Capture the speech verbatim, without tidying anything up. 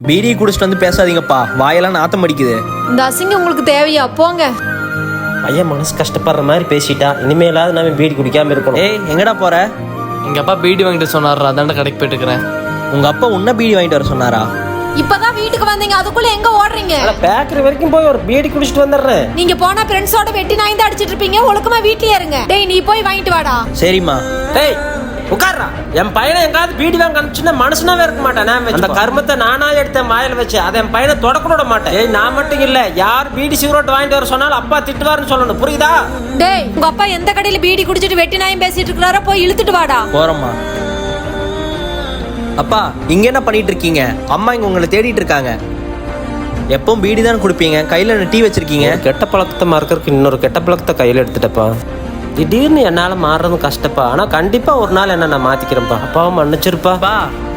PT குடிச்சிட்டு வந்து பேசாதீங்கப்பா, வாயெல்லாம் நாத்தம் அடிக்குது. இந்த அசிங்கம் உங்களுக்கு தேவையா? போங்க. பையன் மனசு கஷ்டப்படுற மாதிரி பேசிட்டா, இனிமேலாவது நம்ம பீடி குடிக்காம இருக்கணும். ஏய், எங்கடா போற? எங்க அப்பா பீடி வாங்கிட்டு சொன்னாரா, அதாண்ட கடைக்கு போயிட்டு இருக்கிறேன். உங்க அப்பா உன்ன பீடி வாங்கிட்டு வர சொன்னாரா? இப்பதான் வீட்டுக்கு வந்தீங்க, அதுக்குள்ள எங்க ஓடுறீங்க? பேக்கரி வரைக்கும் போய் ஒரு பீடி குடிச்சிட்டு வந்துடுறேன். நீங்க போனா ஃப்ரெண்ட்ஸோட வெட்டி நாய்ந்து அடிச்சிட்டு இருப்பீங்க. ஒழுக்கமா வீட்லயே இருங்க. டேய், நீ போய் வாங்கிட்டு வாடா. சரிம்மா. டேய் உட்கார்றா. என் பையனை எங்காவது பீடி வாங்க அனுப்பிச்சுன்னா மனுஷனாவே இருக்க மாட்டேன். அந்த கர்மத்தை நானா எடுத்தேன் வாயில வச்சு, அதை என் பையனை தொடக்க விட மாட்டேன். ஏய், நான் மட்டும் இல்ல, யார் பீடி சிகரெட் வாங்கிட்டு வர சொன்னாலும் அப்பா திட்டுவாருன்னு சொல்லணும், புரியுதா? டேய், உங்க அப்பா எந்த கடையில பீடி குடிச்சிட்டு வெட்டி நாயும் பேசிட்டு இருக்காரோ போய் இழுத்துட்டு வாடா. போறோம்மா. அப்பா, இங்க என்ன பண்ணிட்டு இருக்கீங்க? அம்மா இங்க உங்களை தேடிட்டு இருக்காங்க. எப்பவும் பீடி தான் குடிப்பீங்க, கையில டீ வச்சிருக்கீங்க. கெட்ட பழக்கத்தை மறக்கிறதுக்கு இன்னொரு கெட்ட பழக்கத்தை கையில எடுத்துட்டப்பா. திடீர்னு என்னால மாறுறது கஷ்டப்பா, ஆனா கண்டிப்பா ஒரு நாள் என்ன நான் மாத்திக்கிறேன்ப்பா. அப்பாவும் மன்னிச்சிருப்பா.